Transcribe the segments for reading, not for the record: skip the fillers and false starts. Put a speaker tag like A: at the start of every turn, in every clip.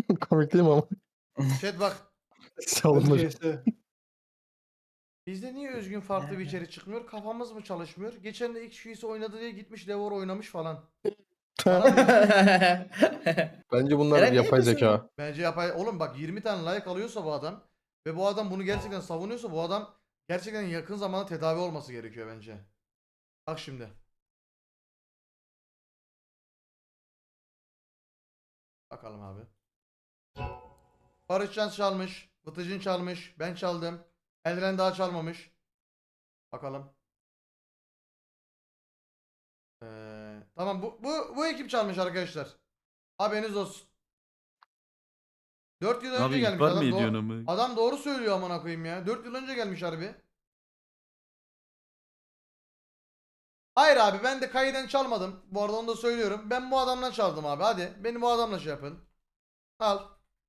A: Komik değil mi ama?
B: Chat bak.
A: Salınır.
B: Bizde niye Özgün farklı bir içerik çıkmıyor? Kafamız mı çalışmıyor? Geçen de X oynadı diye gitmiş Devor oynamış falan. Bana diyor.
A: Bence bunlar
C: Eren niye
A: yapay
C: yapıyorsun
A: zeka.
C: bunu?
B: Bence yapay. Oğlum bak 20 tane like alıyorsa bu adam ve bu adam bunu gerçekten savunuyorsa bu adam gerçekten yakın zamanda tedavi olması gerekiyor bence. Bak şimdi. Bakalım abi. Barışcan çalmış. Vıtıcın çalmış. Ben çaldım. Eldiren daha çalmamış. Bakalım. Tamam bu ekip çalmış arkadaşlar. Haberiniz olsun. 4 yıl önce
D: Abi
B: gelmiş
D: ihbar mı
B: adam.
D: ediyorsun ama?
B: Adam doğru söylüyor amına koyayım ya. 4 yıl önce gelmiş harbi. Hayır abi ben de kayıdan çalmadım. Bu arada onu da söylüyorum. Ben bu adamdan çaldım abi. Hadi beni bu adamla şey yapın. Al.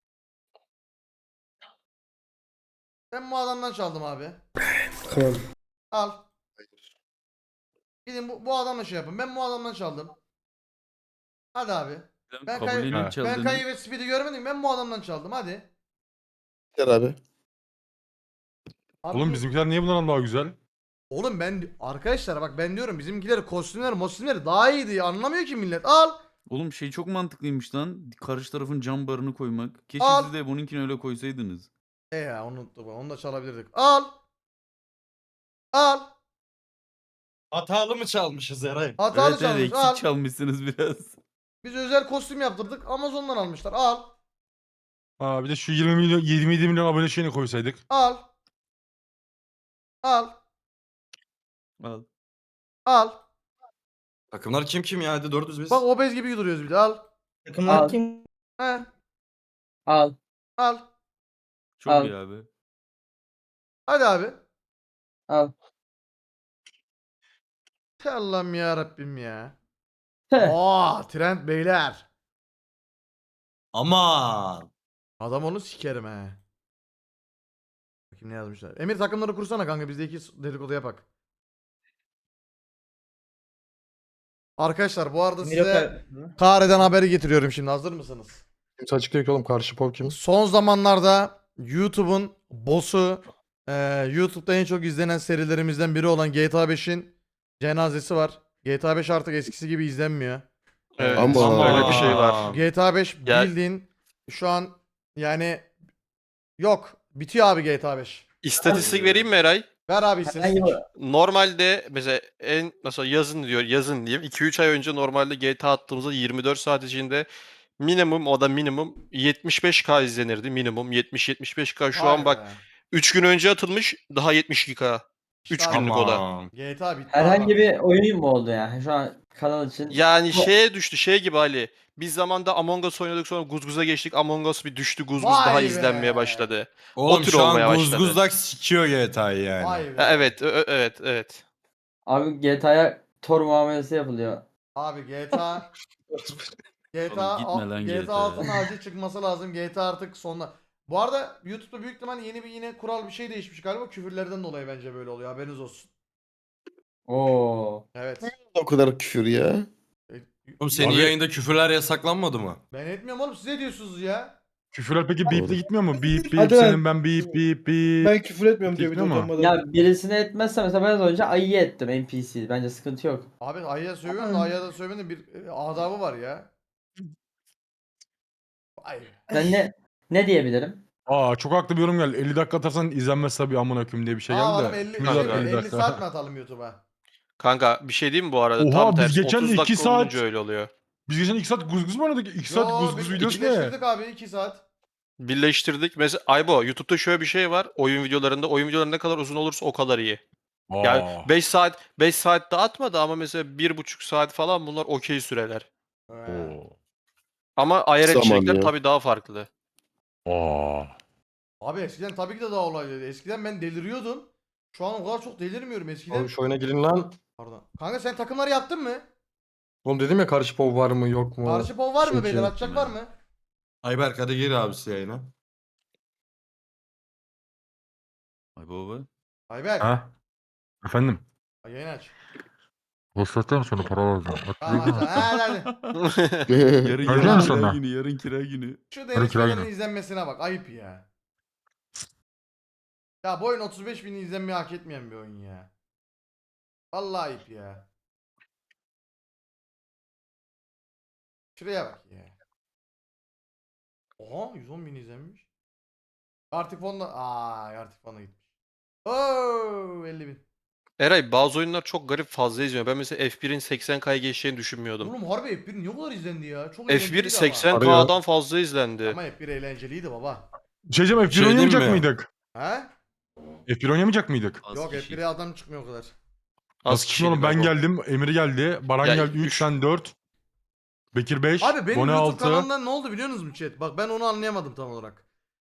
B: Ben bu adamdan çaldım abi.
C: Tamam.
B: Al. Gidin bu adamla şey yapın. Ben bu adamdan çaldım. Hadi abi.
D: Sen
B: Ben
D: kabullenin
A: Ha.
B: ben
D: çaldığını.
B: Kayı ve Speed'i görmedim. Ben bu adamdan çaldım. Hadi.
A: Gel abi.
B: Abi
E: Oğlum
B: bu-
E: bizimkiler niye bundan daha güzel?
B: Oğlum ben arkadaşlar bak ben diyorum bizimkiler kostümleri daha iyiydi. Anlamıyor ki millet. Al.
D: Oğlum şey çok mantıklıymış lan. Karşı tarafın cam barını koymak. Keşke
B: Al.
D: siz de bununkini öyle koysaydınız.
B: Ya unuttum. Onu da çalabilirdik. Al. Al.
F: Hatalı mı çalmışız Eray?
B: Hatalı
D: Evet
B: çalmış.
D: eksik
B: Al.
D: çalmışsınız biraz.
B: Biz özel kostüm yaptırdık. Amazon'dan almışlar. Al.
E: Aa bir de şu 20 milyon 27 milyon abone şeyini koysaydık.
B: Al. Al.
D: Al.
B: Al.
F: Takımlar kim ya? Hadi 400 biz.
B: Bak obez gibi duruyoruz bir de. Al.
C: Takımlar kim?
B: He.
C: Al.
B: Al.
D: Çok
C: Al.
D: iyi abi.
B: Hadi abi.
C: Al.
B: Te Allah'ım ya Rabbim ya.
C: Heh.
B: Trend beyler.
F: Aman.
B: Adam onu sikerim he. Bakayım ne yazmışlar. Emir takımları kursana kanka biz de iki dedikodu yapak. Arkadaşlar bu arada size Kare'den haberi getiriyorum şimdi. Hazır mısınız?
A: Kimse açıklıyor ki oğlum karşı pop kim?
B: Son zamanlarda YouTube'un boss'u YouTube'da en çok izlenen serilerimizden biri olan GTA 5'in cenazesi var. GTA 5 artık eskisi gibi izlenmiyor.
G: Evet,
A: Ama
G: öyle bir şey var.
B: GTA 5
G: Ya-
B: bildiğin şu an yani yok. Bitiyor abi GTA 5.
G: İstatistik vereyim mi Eray?
B: Ver abi
C: Herhangi
B: istatistik.
C: bir
G: Normalde mesela mesela yazın diyeyim 2-3 ay önce normalde GTA attığımızda 24 saat içinde minimum 75K izlenirdi minimum 70-75K şu
B: Vay
G: an bak
B: be.
G: 3 gün önce atılmış daha 72K.
B: İşte
G: 3
B: abi,
G: günlük o da.
F: Aman.
B: GTA bitti
C: herhangi
B: abi.
C: bir oyun mu oldu yani? Şu an kanal için.
G: Yani şeye düştü şey gibi Ali. Biz zamanda Among Us oynadık sonra Guzguz'a geçtik. Among Us bir düştü Guzguz daha
B: Vay be.
G: izlenmeye başladı.
F: Oğlum
G: tür
F: şu
G: olmaya
F: an
G: başladı.
F: Guzguzlak sikiyor GTA'yı yani.
B: Vay be.
G: Evet evet.
C: Abi GTA'ya Tor muamelesi yapılıyor.
B: Abi GTA
D: Oğlum gitme lan
B: GTA
D: GTA.
B: 6'nın acil çıkması lazım. GTA artık sonuna. Bu arada YouTube'da büyük ihtimal yeni bir yine kural bir şey değişmiş galiba. Küfürlerden dolayı bence böyle oluyor. Haberiniz olsun.
C: Oo.
B: Evet.
A: O kadar küfür ya.
B: E,
F: Oğlum senin
E: Abi-
F: yayında küfürler yasaklanmadı mı?
B: Ben etmiyorum oğlum. Siz ne diyorsunuz ya?
E: Küfürler peki beep'le gitmiyor mu? Beep beep
H: Hadi lan.
E: senin ben beep beep beep.
H: Ben küfür etmiyorum diye
E: Gitmiyor
H: video
E: mu?
H: utanmadan.
C: Ya birisine etmezse mesela ben az önce ayı ettim NPC. Bence sıkıntı yok.
B: Abi Ay'a sövüyorum da Ay'a da sövmenin bir adabı var ya. Vay be.
C: Ben ne diyebilirim?
E: Aa çok haklı bir yorum geldi. 50 dakika atarsan izlenmez tabii amına koyayım diye bir şey
B: Aa
E: geldi
B: adam
E: de.
B: 50,
E: Kim
B: şey
E: yazdı
B: mi?
E: 50
B: 50
E: dakika?
B: saat mi atalım YouTube'a?
G: Kanka bir şey diyeyim mi bu arada?
E: Oha,
G: Tam
E: biz
G: tersi
E: geçen
G: 30
E: 2
G: dakika
E: saat-
G: olunca öyle oluyor.
E: Biz geçen 2 saat guzguz mu oynadık? 2 saat guzguz videosu ne?
B: birleştirdik abi 2 saat.
G: Birleştirdik. Mesela Aybo YouTube'da şöyle bir şey var. Oyun videoları ne kadar uzun olursa o kadar iyi. Yani
E: Aa.
G: 5 saat de atmadı ama mesela 1,5 saat falan bunlar okey süreler.
E: Oo.
G: Ama IRL
A: Zaman
G: içerikler
A: ya.
G: tabii daha farklı.
E: Aa.
B: Abi eskiden tabii ki de daha olaylıydı. Eskiden ben deliriyordum. Şu an o kadar çok delirmiyorum eskiden.
A: Oğlum şu oyuna girin lan.
B: Pardon. Kanka sen takımları yaptın mı?
A: Oğlum dedim ya karşı pop var mı yok mu?
B: Karşı pov var mı
A: Şey
B: beyler?
A: ki.
B: Atacak var mı?
F: Ayberk hadi gir abisi yayına.
D: Ay baba.
B: Ayberk.
E: Ha? Efendim?
B: Yayın aç.
E: Göstereceğim sana para alacağım.
B: Tamam hadi hadi.
D: Yarın
E: Öyle
D: yarın
E: mi
D: kira
E: sonra?
D: günü, yarın kira günü.
B: Şu
E: Hadi
B: Deniz
E: kira
B: Fener'in
E: günü.
B: izlenmesine bak. Ayıp ya. Ya bu oyun 35 bin izlenmeyi hak etmeyen bir oyun ya. Vallahi ayıp ya. Şuraya bak ya. Oha 110 bin izlenmiş. Artık fonda... artık fonda gitmiş. Oo 50 bin.
G: Eray bazı oyunlar çok garip fazla izliyor. Ben mesela F1'in 80K'ya geçeceğini düşünmüyordum.
B: Oğlum harbi F1 niye bu kadar izlendi ya? Çok
G: F1
B: eğlenceliydi ama.
G: 80K'dan fazla izlendi.
B: Ama F1 eğlenceliydi baba.
E: Şey diyeceğim, F1
F: Şey diyeyim
E: oynamayacak
F: mi?
E: mıydık?
B: He?
E: F1 oynamayacak mıydık?
D: Az
B: Yok
D: kişi.
B: F1'e adam çıkmıyor o kadar.
G: Az
E: Nasıl çıkmıyor oğlum?
G: kişiydi
E: Ben
G: galiba.
E: geldim, Emir geldi, Baran
G: Ya,
E: geldi 3,
G: üç.
E: sen 4. Bekir 5,
B: Abi benim
E: Bone
B: YouTube
E: 6.
B: kanalımda ne oldu biliyor musunuz chat? Bak ben onu anlayamadım tam olarak.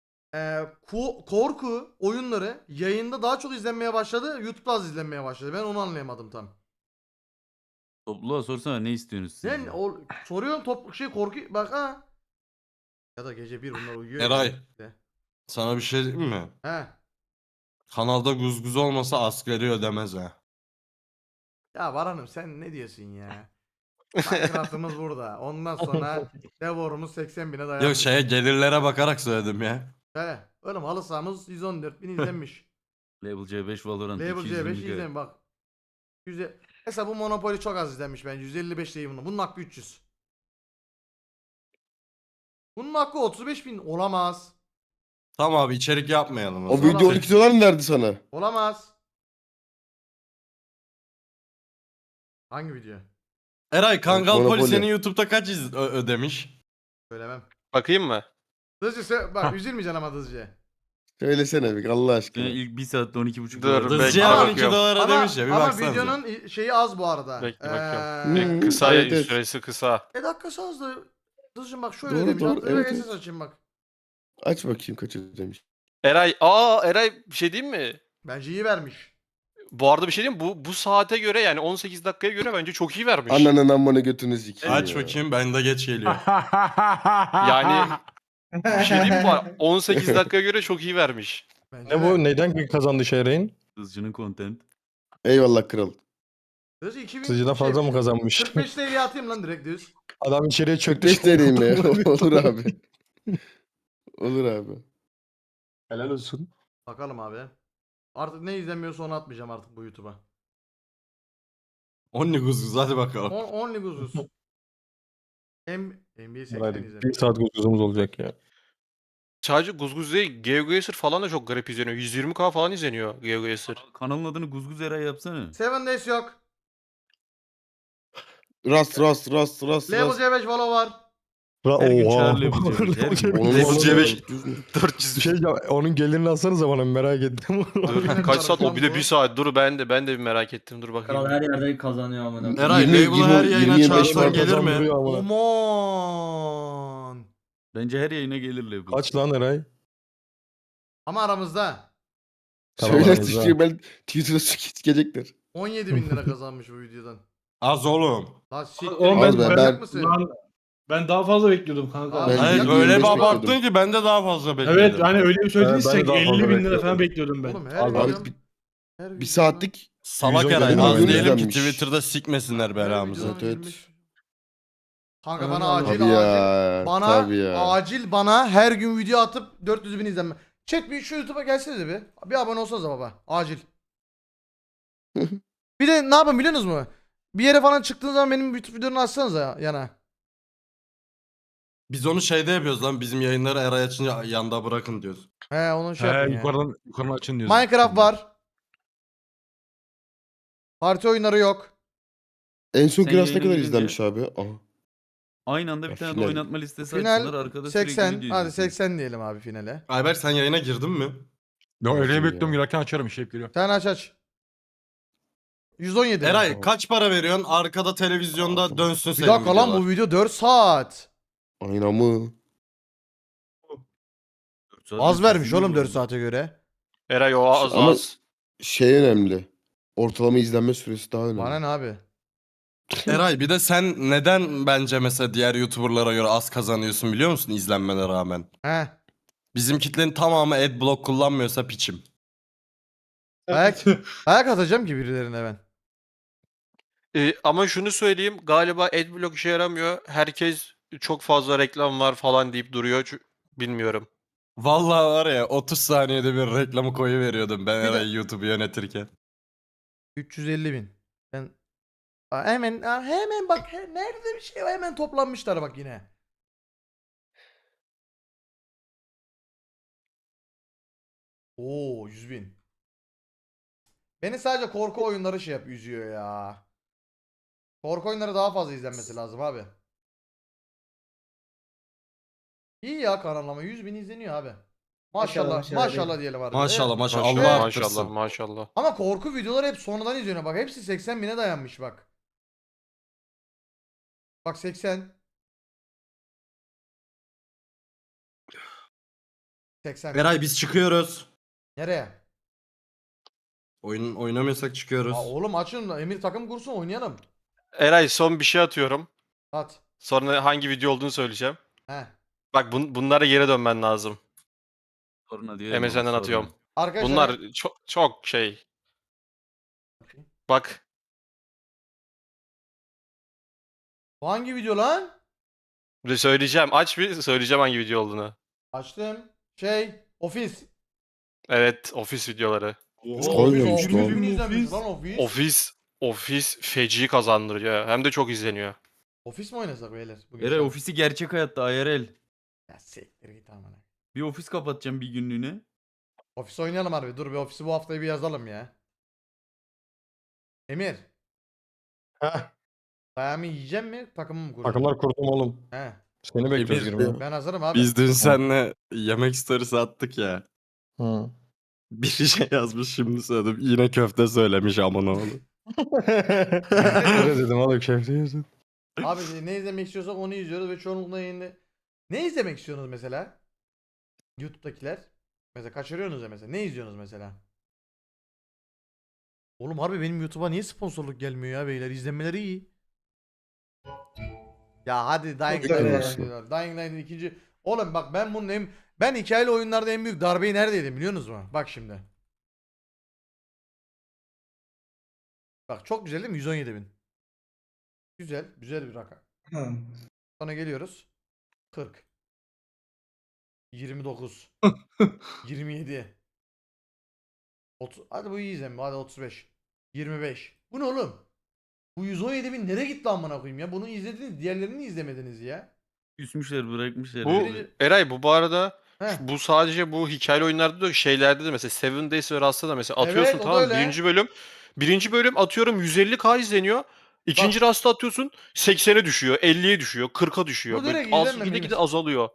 B: Korku oyunları yayında daha çok izlenmeye başladı. YouTube'da az izlenmeye başladı. Ben onu anlayamadım tam.
D: Topluluğa sorsana ne istiyorsunuz siz?
B: Sen soruyorum korku bak ha. Ya da gece bir bunlar uyuyor. ya.
F: Eray.
B: De.
F: Sana bir şey diyeyim mi?
B: He.
F: Kanalda guzguz olmasa asgari ödemez ha.
B: Ya Baran'ım sen ne diyorsun ya? Minecraft'ımız burada. Ondan sonra Devor'umuz 80 bine dayanmış.
F: Yok şeye gelirlere bakarak söyledim ya.
B: He. Oğlum halı sahamız 114 bin izlenmiş.
D: Level C5 Valorant
B: Label
D: 220
B: C5 izleyin bak. Mesela bu Monopoly çok az izlenmiş bence. 155 değil bunun. Bunun hakkı 300. Bunun hakkı 35 bin olamaz.
F: Tamam abi içerik yapmayalım.
A: O
F: zaman.
A: video 12 dolar mı verdi sana?
B: Olamaz. Hangi video?
F: Eray Kangal Poli
A: Monopoly.
F: senin YouTube'da kaç ödemiş?
B: Söylemem.
G: Bakayım mı?
B: Bak üzülmeyeceksin ama Dızcı.
A: Söylesene bir Allah aşkına.
D: İlk 1 saatte 12,5
G: Dur,
D: dolar.
G: bekle.
F: Dızcıya
G: Ama
F: 12 dolar
B: Ama,
F: ödemiş ya bir
B: ama
F: baksanıza.
B: videonun şeyi az bu arada.
G: Bekle bakıyorum.
A: Hmm,
G: Kısa
A: evet, evet.
G: süresi kısa.
B: Dakikası az da. Dızcım bak şöyle
A: Doğru,
B: demiş.
A: doğru,
B: Hatta
A: evet,
B: evet,
A: evet.
B: açayım bak.
A: Aç bakayım kaç ödemiş.
G: Eray bir şey diyeyim mi?
B: Bence iyi vermiş.
G: Bu arada bir şey diyeyim mi? Bu saate göre yani 18 dakikaya göre bence çok iyi vermiş.
A: Ananın amına götünü sikeyim
F: Aç
A: ya.
F: bakayım bende geç geliyor.
G: Yani bir şey diyeyim mi? 18 dakikaya göre çok iyi vermiş.
B: Bence
A: Ne bu? Neyden kazandı Şehreyn?
D: Hızcının content.
A: Eyvallah kral.
B: Dızcı 2000
A: Sıcıdan fazla mı kazanmış?
B: 45 TL atayım lan direkt düz.
A: Adam içeriye çöktü.
B: şey
A: 5 TL'yim ya. Olur abi. Olur abi. Helal olsun.
B: Bakalım abi. Artık ne izlemiyorsa onu atmayacağım artık bu YouTube'a.
F: Only guzguz hadi bakalım.
B: Only Guzuz. NBA 80
A: Hadi
B: izlemiş.
A: 1 saat guzguzumuz olacak ya.
G: Sadece Guzguz değil, GeoGuessr falan da çok garip izleniyor. 120K falan izleniyor GeoGuessr.
D: Kanalın adını Guzguz Eray yapsana.
B: 7 Days yok.
A: Rast.
B: Level C5 Valo var.
D: Her gün çağır Level C5, her gün.
A: Onun
G: Level
A: vallahi
G: C5.
A: düz mü?
G: 400.
A: Şey ya, onun gelirini alsanıza bana merak ettim.
G: Dur kaç saat o bir de 1 saat. Dur ben de bir merak ettim. Dur
C: Kral
G: bakayım.
C: her yerde kazanıyor amına.
F: Eray
A: 20,
F: Label'ı her
A: 20,
F: yayına
A: 25
F: çağırsan
A: var
F: gelir mi?
A: kazandırıyor amına.
B: Aman.
D: Bence her yayına gelir Level.
A: Kaç lan Eray?
B: Ama aramızda
A: Söyle aramızda. düşüyor ben Twitter'da sikecekler.
B: 17 bin lira kazanmış bu videodan.
F: Az oğlum.
B: Lan siktir.
E: Oğlum
A: Az be,
B: manyak
A: ben-
B: mısın?
E: Ben daha fazla bekliyordum kanka.
B: Abi,
A: Ben
F: Hayır
B: de
F: öyle
A: 25
F: bir abarttın
A: bekliyordum.
F: ki ben de daha fazla bekliyordum.
E: Evet hani öyle bir söylediniz
A: Ben de
E: ki
A: daha fazla
E: 50 bin lira
A: bekliyordum.
E: falan bekliyordum ben.
B: Oğlum her
A: Abi
B: videom.
A: bir,
B: her
A: bir
B: videom-
A: saatlik
F: Salak
A: 110
F: Eray
A: milyon
F: az diyelim ki
A: izlenmiş.
F: Twitter'da sikmesinler
B: her
F: belamızı.
B: videom
A: Evet.
B: 25. Kanka
E: Aman
B: bana
E: Allah'ım.
B: acil
A: tabii ya.
B: bana
A: Tabii ya.
B: acil bana her gün video atıp 400 bin izlenme. Chat bir şu YouTube'a gelsenize bir. Bir abone olsanıza baba. Acil. Bir de ne yapın biliyorsunuz mu? Bir yere falan çıktığınız zaman benim YouTube videomu açsanıza yana.
F: Biz onu şeyde yapıyoruz lan bizim yayınları Eray açınca yanda bırakın diyoruz.
B: He onu şey
E: He
B: yapın ya.
E: yukarıdan açın diyorsun.
B: Minecraft var. Parti oyunları yok.
A: En son
D: Sen
A: Kiraz ne
D: yayına
A: kadar
D: girince-
A: izlenmiş abi? Aha.
D: Aynı anda bir
A: Ya
D: tane de
A: final-
D: oynatma listesi
B: Final
D: açsınlar. Arkada sürekli
B: 80.
D: video
B: Hadi
D: izlesin.
B: 80 diyelim abi finale.
F: Ayberk sen yayına girdin mi?
E: Yo öyle
A: Nasıl
E: bekliyorum
A: ya?
E: girerken açarım şey hep geliyor.
B: Sen aç. 117.
F: Eray kaç para veriyorsun? Arkada televizyonda dönsün
B: Bir
F: senin
B: dakika lan
F: videolar.
B: bu video 4 saat.
A: Aynen mı?
D: 4 saat
B: Az vermiş
D: izlesin
B: oğlum
D: bu
B: 4
D: arada.
B: saate göre.
G: Eray o az
A: Ama-
G: az.
A: Şey önemli. Ortalama izlenme süresi daha önemli.
B: Bana ne abi?
F: Eray bir de sen neden bence mesela diğer YouTuber'lara göre az kazanıyorsun biliyor musun izlenmene rağmen?
B: He.
F: Bizim kitlenin tamamı adblock kullanmıyorsa piçim.
B: Ayak atacağım ki birilerine ben.
G: Ama şunu söyleyeyim, galiba adblock işe yaramıyor. Herkes çok fazla reklam var falan deyip duruyor. Bilmiyorum.
F: Vallahi var ya 30 saniyede bir reklamı koyuveriyordum ben
B: Bir de-
F: Eray YouTube'u yönetirken.
B: 350.000. Ben hemen bak nerede bir şey var, hemen toplanmışlar bak yine. Oo 100.000. Beni sadece korku oyunları şey yap üzüyor ya. Korku oyunları daha fazla izlenmesi lazım abi. İyi ya kanallama 100.000 izleniyor abi. Maşallah
C: Maşallah,
B: maşallah diyelim abi.
F: Maşallah maşallah
G: Maşallah,
F: Allah
B: Evet.
G: maşallah,
F: arttırsın.
G: maşallah.
B: Ama korku videoları hep sonradan izleniyor bak. Hepsi 80.000'e dayanmış bak. Bak 80. 80.
F: Eray biz çıkıyoruz.
B: Nereye?
F: Oynamıyorsak çıkıyoruz.
B: Oğlum açın Emir takım kursun oynayalım.
G: Eray son bir şey atıyorum.
B: At.
G: Sonra hangi video olduğunu söyleyeceğim.
B: He.
G: Bak bunlara geri dönmen lazım.
D: Soruna diyelim.
G: MSN'den atıyorum.
B: Arkadaşlar
G: Bunlar çok şey. Bak.
B: bu hangi video lan?
G: Söyleyeceğim. Aç bir söyleyeceğim hangi video olduğunu.
B: Açtım. Ofis.
G: Evet, ofis videoları.
A: Koymuyormuş
B: Ofis,
A: lan.
B: 100.000 izlenmiş lan ofis.
G: Ofis feci kazandırıyor. Hem de çok izleniyor.
B: Ofis mi oynasak beyler? Bugün
D: Eray
B: sen-
D: ofisi gerçek hayatta IRL.
B: Ya siktir git amına.
D: Bir ofis kapatacağım bir günlüğüne.
B: Ofis oynayalım harbi. Dur bir ofisi bu haftayı bir yazalım ya. Emir.
E: Heh.
B: Dayağımı yiyeceğim mi? Takımı mı kuracağım?
E: Takımlar kurdum oğlum.
B: He.
E: Seni bekliyoruz
F: Emir,
E: girmeye.
B: Ben hazırım abi.
F: Biz dün seninle yemek storiesi attık ya.
E: Hı.
F: Bir şey yazmış şimdi söyledim. Yine köfte söylemiş aman oğlu.
E: Öyle dedim oğlum keyifli yiyorsun.
B: Abi ne izlemek istiyorsak onu izliyoruz ve çoğunlukla yayında... Ne izlemek istiyorsunuz mesela? YouTube'dakiler. Mesela kaçırıyorsunuz ya mesela. Ne izliyorsunuz mesela? Oğlum harbi benim YouTube'a niye sponsorluk gelmiyor ya beyler? İzlenmeleri iyi. Ya hadi Dying
C: Çok öyle.
B: Light'ın Dying Light'ın ikinci... Oğlum bak ben hikayeli oyunlarda en büyük darbeyi nerede yedim biliyor musunuz mu? Bak şimdi. Bak çok güzel değil mi? 117.000. Güzel bir rakam. Sonra geliyoruz. 40. 29. 27. 30. Hadi bu iyi izlenme. Hadi 35. 25. Bu ne oğlum? Bu 117.000 nereye gitti amına koyayım ya? Bunu izlediniz. Diğerlerini izlemediniz ya.
D: Küsmüşler bırakmışlar.
G: Bu
D: herhalde.
G: Eray bu arada
B: Heh.
G: bu sadece bu hikayeli oyunlarda da şeylerde de mesela Seven Days ve Rust'ta da mesela atıyorsun
B: Evet, o da
G: tamam
B: öyle.
G: birinci bölüm atıyorum 150K izleniyor. İkinci Rust'ta atıyorsun 80'e düşüyor, 50'ye düşüyor, 40'a düşüyor.
B: Bu
G: Böyle
B: direkt
G: az
B: izlenmemeli
G: gide
B: mesela.
G: azalıyor.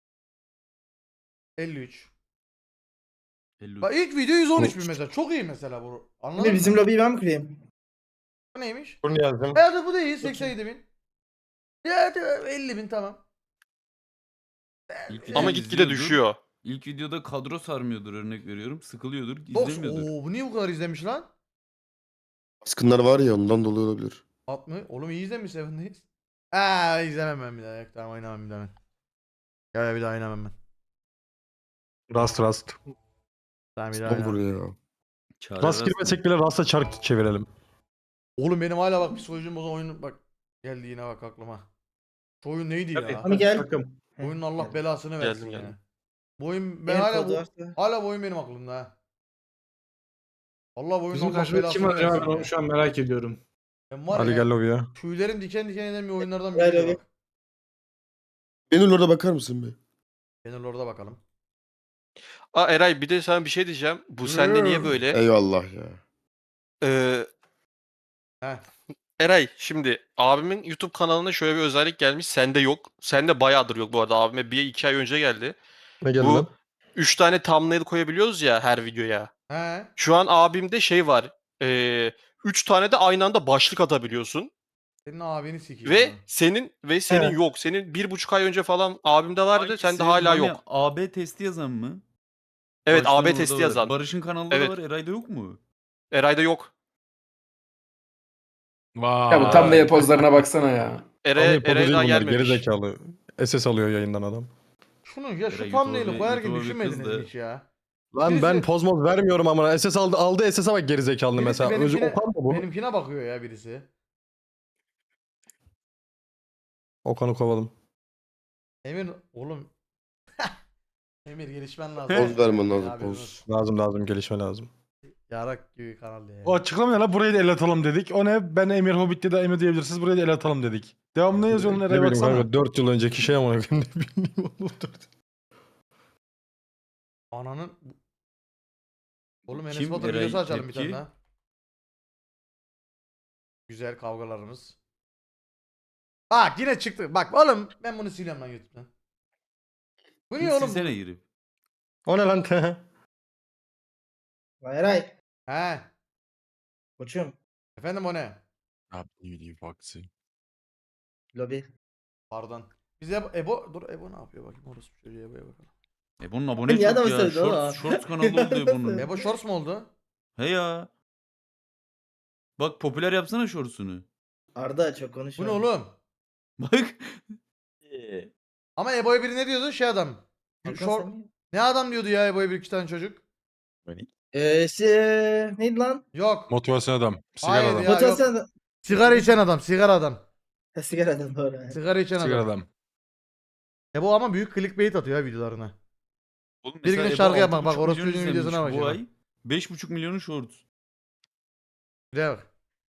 B: 53.
D: 53.
B: Bak ilk video 113.000 mesela. Çok iyi mesela bu. Anladın
C: Şimdi bizim
B: mı?
C: lobiyi ben mi kurayım?
B: Bu neymiş?
E: Bunu yazdım.
B: Hadi bu da iyi. 87.000. Ya hadi 50.000 tamam.
D: İlk
G: Ama
D: videoyu
G: gitgide
D: izliyordur.
G: düşüyor.
D: İlk videoda kadro sarmıyordur örnek veriyorum. Sıkılıyordur.
B: Box.
D: İzlemiyordur.
B: Oo bu niye bu kadar izlemiş lan?
A: Baskınlar var ya ondan dolayı olabilir.
B: 60. Oğlum iyi izlemiş Seven Days. İzlemem ben bir daha. Yok, tamam oynamam bir daha ben. Ya bir daha oynamam ben.
E: Rust.
B: Tamam bir daha
A: Son
B: oynamam.
A: vuruyor ya.
D: Çare
E: Rust girmesek bile Rust'a çark çevirelim.
B: Oğlum benim hala bak psikolojim bozan oyun bak. Geldi yine bak aklıma. Şu oyun neydi ya?
C: Ama gel.
B: Bu oyunun Allah belasını versin
G: Geldim.
B: ya. Bu oyun ben
C: Benim
B: hala
C: kodu varsa.
B: hala bu oyun benim aklımda ha. Allah bu oyunun
H: Bizim
B: Allah
H: karşımızda kim
B: belasını
H: var ya
B: versin
H: ben
B: ya.
H: onu şu an merak ediyorum.
B: Ben var
E: Hadi
B: ya
E: gel lobiye.
B: tüylerim diken diken eden bir oyunlardan
C: Gel
B: biri
C: abi.
B: bak.
A: Benim orada bakar mısın be?
B: Benim orada bakalım.
G: Eray bir de sana bir şey diyeceğim. Bu sende niye böyle?
A: Eyvallah ya.
G: Ee,
B: Heh.
G: Eray şimdi abimin YouTube kanalına şöyle bir özellik gelmiş. Sende yok. Sende bayağıdır yok bu arada. Abime 1-2 ay önce geldi.
E: Ne geldi
G: Bu
E: lan?
G: 3 tane thumbnail koyabiliyoruz ya her videoya.
B: He.
G: Şu an abimde şey var. 3 tane de aynı anda başlık atabiliyorsun.
B: Senin abini sikeyim.
G: Ve
B: ha.
G: senin yok. Senin 1,5 ay önce falan abimde vardı.
D: Hangisi?
G: Sende hala
D: Mami,
G: yok.
D: AB testi yazan mı?
G: Evet
D: Barış'ın
G: AB
D: orada
G: testi
D: var.
G: yazan.
D: Barış'ın kanalında
G: Evet.
D: da var. Eray'da yok mu?
G: Eray'da yok.
H: Ya bu tam da pozlarına baksana ya.
G: Eray'a daha
E: bunlar geri
G: gelmemiş.
E: zekalı. SS alıyor yayından adam.
B: Şunu ya şu
D: Eray,
B: thumbnail'i
D: YouTube'a
B: koyarken
D: bir kız
B: düşünmediniz
D: da-
B: mi hiç ya?
E: Lan
B: Birisi-
E: ben poz moz vermiyorum ama SS aldı SS'e bak geri zekalı
B: Birisi
E: mesela.
B: benimkine-
E: Okan mı bu?
B: Benimkine bakıyor ya birisi.
E: Okan'ı kovalım.
B: Emir oğlum. Emir gelişmen lazım.
A: Poz vermen lazım,
B: Haberin
A: poz.
B: olsun.
E: Lazım gelişme lazım.
B: Yarak gibi kanal ya.
E: O açıklama ne lan, burayı da el atalım dedik. O ne? Ben Emir Hobbit'te de Emir diyebilirsiniz, burayı da el atalım dedik. Devamlı ne yazıyorsun nereye baksana. 4 yıl önceki şey ama ne bileyim oğlum.
B: Ananın... Oğlum Enes
D: Kim?
B: Batur
D: Eray
B: videosu açalım bir tane
D: tepki?
B: daha. Güzel kavgalarımız. Bak yine çıktı. Bak oğlum ben bunu siliyorum lan YouTube'dan. Bu niye oğlum?
D: Silsene girip.
E: O ne lan?
I: Eray.
B: He.
I: Koçum.
B: Efendim o ne?
I: Lobi.
B: Pardon. Biz Ebo... Dur Ebo ne yapıyor bakayım orası bir çocuğa Ebo'ya bakalım.
D: Bunun abone
I: Niye
D: çok
I: adamı
D: ya.
I: sövdü oğlum?
D: Shorts kanalı oldu Ebo'nun.
B: Ebo Shorts mu oldu?
D: He ya. Bak popüler yapsana shorts'unu.
I: Arda çok
B: Bu
I: konuşma.
B: ne oğlum?
D: Bak.
B: Ama Ebo'ya biri ne diyordu? Şey adam.
I: Hakan
B: Short...
I: sen mi?
B: Ne adam diyordu ya Ebo'ya bir iki tane çocuk?
I: Neydi lan?
B: Yok.
E: Motivasyon adam. Sigara
B: Hayır
E: adam.
B: ya.
I: Motivasyon.
B: Sigara içen adam. Sigara adam.
I: Sigaradan doğru.
B: Sigara içen
E: Sigara
B: adam.
E: adam.
B: Ebo ama büyük clickbait atıyor ya videolarına.
D: Oğlum
B: Bir
D: mesela
B: gün
D: Ebo
B: şarkı yapmak,
D: 6,5
B: bak, orospu
D: milyon
B: çocuğun
D: izlenmiş
B: videosuna bak
D: bu
B: ya.
D: ay. 5,5 milyonu shorts.
B: Bir de bak.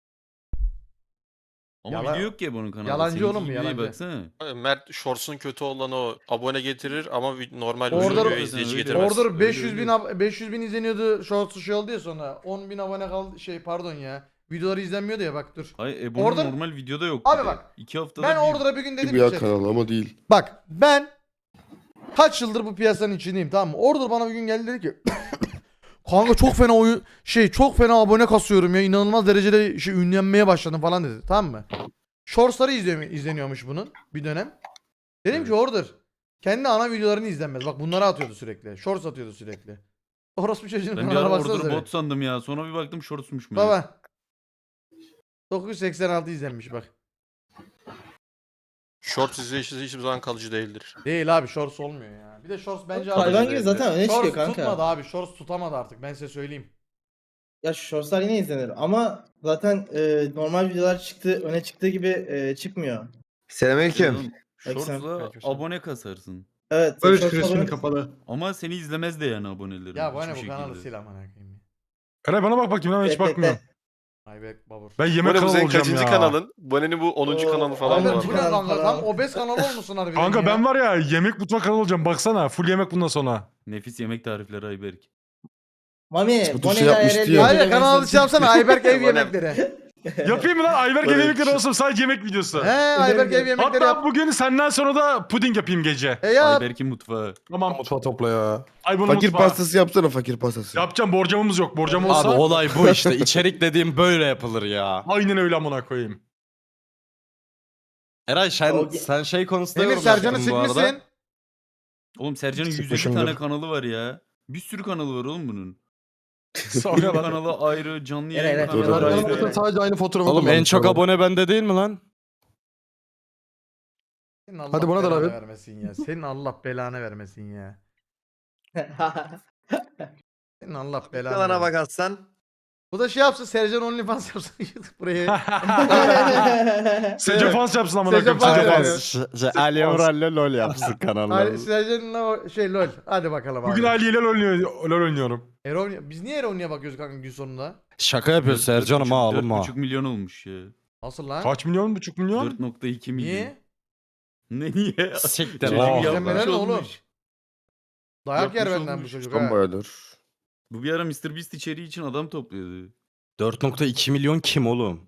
D: Ama
B: Yala-
D: video yok ki Ebo'nun kanalında.
B: Yalancı
D: Seninki
B: oğlum bu,
D: gibi
B: yalancı.
D: Baksana.
G: Mert Shorts'un kötü olanı o. Abone getirir ama normal
B: Order-
G: videoya izleyici
D: Öyle.
G: getirmez.
B: Order
D: Öyle,
B: 500 bin
D: öyle.
B: 500 bin izleniyordu shorts şey oldu ya sonra 10 bin abone kaldı pardon ya videoları izlenmiyordu ya bak dur.
D: Hayır Ebo'nun
B: Order-
D: normal videoda yok.
B: Abi
D: bir de.
B: bak,
D: 2 haftada
B: Ben
D: bir.
B: Order'a bir gün dedim
A: Bir ya
B: ki
A: kanal ama değil.
B: bak ben kaç yıldır bu piyasanın içindeyim tamam mı? Order bana bir gün geldi dedi ki kanka çok fena çok fena abone kasıyorum ya inanılmaz derecede ünlenmeye başladım falan dedi tamam mı? Shorts'ları izleniyormuş bunun bir dönem. Dedim ki Order kendi ana videolarını izlenmez. Bak bunları atıyordu sürekli. Shorts atıyordu sürekli. Orospu çocuğun
D: Ben bir
B: kanalına
D: ara
B: baksanıza
D: Order'ı
B: bir.
D: bot sandım ya. Sonra bir baktım shortsmuş meğer.
B: Baba. 986 izlenmiş bak.
G: Shorts izleyicisi hiçbir zaman kalıcı değildir.
B: Değil abi shorts olmuyor ya. Bir de shorts bence
I: Hayvan gibi zaten öne
B: shorts
I: çıkıyor kanka.
B: tutmadı abi. Shorts tutamadı artık ben size söyleyeyim.
I: Ya şu shortslar yine izlenir ama zaten normal videolar öne çıktığı gibi çıkmıyor.
J: Selamünaleyküm.
D: Oğlum, Shorts'la
G: Aleykümselam.
D: abone kasarsın.
I: Evet.
J: Barış
I: shorts
J: küresinin
I: abone-
J: kapalı.
D: Ama seni izlemez de yani abonelerin.
B: Ya bu ne
D: hiçbir
B: bu kanalı
D: şekilde.
B: sil amına koyayım.
E: Eray bana bak bakayım lan, hiç
I: Bekle,
E: bakmıyorum.
B: Ayberk babur.
E: Ben yemek
G: Bu
E: kanalı
G: senin
E: olacağım
G: kaçıncı
E: ya.
G: kanalın? Bone'nin bu 10.
I: Oo,
G: kanalı falan
I: aynen.
G: var.
B: Abi bu ne kanka tam obez kanalı olmuşsun harbiden
E: Kanka
B: ya.
E: ben var ya yemek mutfak kanalı olacağım, baksana full yemek bundan sonra.
D: Nefis yemek tarifleri Ayberk.
I: Mami,
A: Bu
I: Bonnie
A: şey yapmıştı
I: IRL
A: ya.
B: Hayır kanal adı şey yapsana Ayberk ev yemekleri.
E: Yapayım mı lan Ayberk
G: Böyle
E: yemekleri
G: bir-
E: olsun, sadece yemek videosu.
B: He Ayberk ev yemekleri
E: Hatta
B: yap.
E: bugün senden sonra da puding yapayım gece.
B: Yap.
D: Ayberk'in mutfağı.
E: Tamam.
A: Mutfağı topla ya.
E: Ay bunu
A: Fakir
E: mutfağa.
A: pastası yapsana, fakir pastası.
E: Yapacağım, borcamımız yok. Borcam olsa
F: Abi olay bu işte. İçerik dediğim böyle yapılır ya.
E: aynen öyle amına koyayım.
F: Eray
I: O-
F: sen şey konusunda
B: Emir
F: yorum
B: Sercan'ı
F: yaptın bu arada.
B: sikmişsin.
D: Oğlum Sercan'ın 150
E: Sıkmışımdır.
D: tane kanalı var ya. Bir sürü kanalı var oğlum bunun.
E: Sonra
D: Film
E: lan.
D: kanalı ayrı, canlı
I: Evet,
D: yayın
I: evet.
D: kanalı
A: Doğru,
D: ayrı.
A: doğru.
E: Sadece aynı fotoğrafı
F: Oğlum en çok abone bende değil mi lan?
B: Senin Allah
E: Hadi bana da
B: belanı
E: abi.
B: vermesin ya. Senin Allah belanı vermesin ya. Senin Allah belanı
J: Kalana
B: vermesin.
J: bak Aslan.
B: Bu da şey yapsın Sercan OnlyFans yapsın buraya.
E: Sece fans yapsın amına
B: Sece
E: koyayım.
B: fans
E: Sece
B: yapıyor.
E: fans.
F: Ali Emrah'la lol yapsın kanalları.
B: Sercan'ın o lol. Hadi bakalım abi.
E: Bugün Ali ile LoL oynuyorum.
B: Biz niye Eron'ya bakıyoruz kanka gün sonunda?
F: Şaka yapıyor Sercan'ım ha oğlum ha.
D: 4,5 milyon olmuş ya.
B: Nasıl lan?
E: Kaç milyon? Buçuk milyon?
D: 4,2 milyon.
B: Niye?
D: Ne niye?
F: Siktir
D: Çocuk
E: lan.
D: yapmış
B: İzlenmeler ne oğlum?
D: olmuş.
B: Dayak yer
D: Yapmış
B: benden bu
D: olmuş.
B: çocuk
A: Tam
B: ha.
A: bayağıdır.
D: Bu bir ara MrBeast içeriği için adam topluyordu.
F: 4.2 milyon kim oğlum?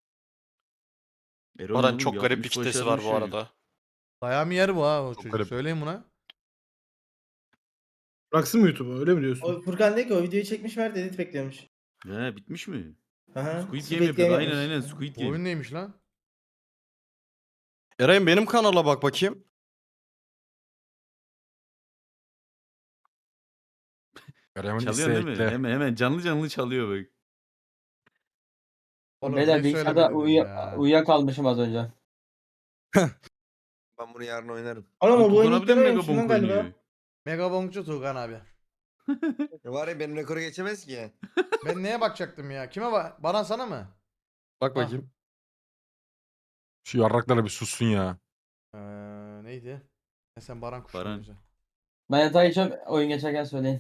D: Eren
G: Baran
D: oğlum
G: çok garip bir
D: yapmış,
G: kitlesi var bu
D: başarmış çocuk.
G: arada.
B: Dayağı mı yer bu ha o çocuk?
E: garip.
B: Söyleyin buna.
J: Bıraksın mı YouTube'u öyle mi diyorsun?
I: O Furkan dedi ki o videoyu çekmiş ver edit bekliyormuş.
D: He bitmiş mi?
I: Aha.
D: Squid Game yapıyor. Aynen
I: yapmış.
D: aynen Squid
B: Bu
D: Game.
B: oyun neymiş lan?
F: Eray'ım benim kanala bak bakayım.
D: Çalıyor değil mi? Hemen canlı canlı çalıyor bak.
B: Oğlum,
C: Beyler
B: ne
C: bilgisayarda
B: söylemediniz ya?
C: uyuyakalmışım az önce.
J: Ben bunu yarın oynarım.
I: Oğlum o bu oyunu ilk
D: Kullanabilir mi
I: denememişim lan
D: Megabonk
I: galiba.
D: oynuyor?
B: Megabonkçu Tuğkan abi.
J: Var ya benim rekoru geçemez ki.
B: Ben neye bakacaktım ya? Kime bak? Bana sana mı?
F: Bak bakayım.
E: Şu yarraklara bir sussun ya.
B: Neydi? Sen Baran kuşu
D: Baran.
B: bize.
C: Ben yatağa geçiyorum. Oyun geçerken söyleyin.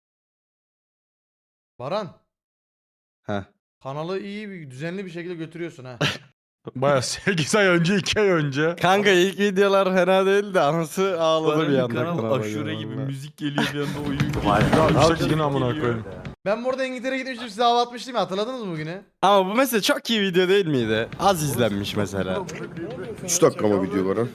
B: Baran.
F: Heh.
B: Kanalı iyi bir düzenli bir şekilde götürüyorsun ha.
E: Baya 8 ay önce 2 ay önce.
F: Kanka ilk videolar fena değildi. Anası ağladı bir
D: Baran'ın
F: anda.
D: kanal
F: kanala
D: aşure gibi
F: vallahi.
D: müzik geliyor bir anda oyun geliyor.
E: Ya
D: Müzik
E: işte yine amına
D: geliyor.
E: koyayım.
B: Ben burada İngiltere'ye gitmiştim size hava atmıştım ya, hatırladınız mı bugünü?
F: Ama bu mesela çok iyi video değil miydi? Az izlenmiş mesela.
A: 3 dakika mı video var ha?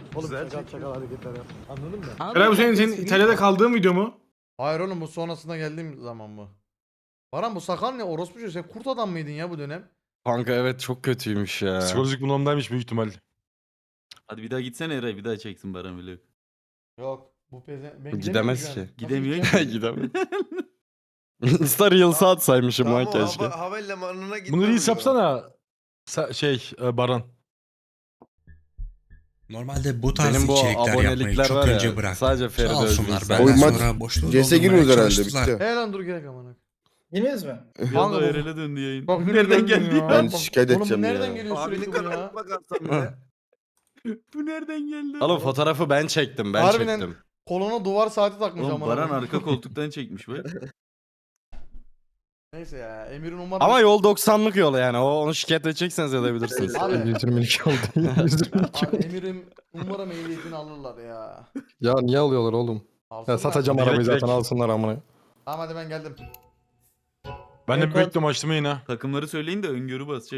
J: Eray bu senin İtalya'da kaldığın video mu?
B: Hayır oğlum, bu sonrasında geldiğim zaman mı? Baran bu sakal ne? Orospu çocuğu, sen kurt adam mıydın ya bu dönem?
F: Kanka evet çok kötüymüş ya.
E: Psikolojik bunalımdaymış büyük ihtimal.
D: Hadi bir daha gitsene Eray, bir daha çeksin Baran vlog.
B: Yok. Bu peze... Ben
F: Bu
B: gidemiyorum
F: gidemez
B: şu an.
F: ki.
B: Nasıl
D: Gidemiyor
B: gideceğim?
F: Gidemem. Insta Reels'a atsaymışım lan keşke.
J: Havalimanına gitme.
E: Bunu reels yapsana. Baran.
K: Normalde bu tarz
F: Benim bu
K: içerikler yapmayı
F: abonelikler
K: çok
F: var
K: önce
F: ya.
K: bıraktım.
F: Sadece
K: Sağ
F: Feride
K: olsunlar
F: Özgür.
K: benden
A: Oy, maç
K: sonra boşluğu
A: CS'e
K: doldurmaya
A: girmiyoruz herhalde,
K: çalıştılar.
A: bitti.
B: He lan dur gerek amına.
I: Yeniyoruz mu?
D: Bir
B: Kanka
D: anda
B: bu-
D: Eren'e döndü yayın.
B: Bak yine
D: Nereden
B: döndün
D: geldi
B: ya.
D: ya?
A: Ben
B: Bak,
A: şikayet
B: oğlum bu
A: edeceğim
B: nereden
A: ya.
B: geliyor sürekli bu ya?
D: Bu nereden geldi?
F: Oğlum fotoğrafı ben çektim. Ben
B: Harbiden-
F: çektim.
B: Kolona duvar saati takmış
D: Oğlum
B: amına.
D: Baran
B: koyayım.
D: arka koltuktan çekmiş bak.
B: Neyse ya, Emir'in umarım...
F: Ama yol 90'lık yol yani. Onu şikayet edecekseniz edebilirsiniz.
B: Abi,
E: 122 oldu. 122
B: abi Emir'im umarım ehliyetini alırlar ya.
E: Ya niye alıyorlar oğlum?
B: Alsınlar.
E: arabayı zaten alsınlar amına.
B: Tamam hadi ben geldim.
E: Ben de
I: Evet,
E: bekliyorum açtım yine.
D: Takımları söyleyin de öngörü basacak.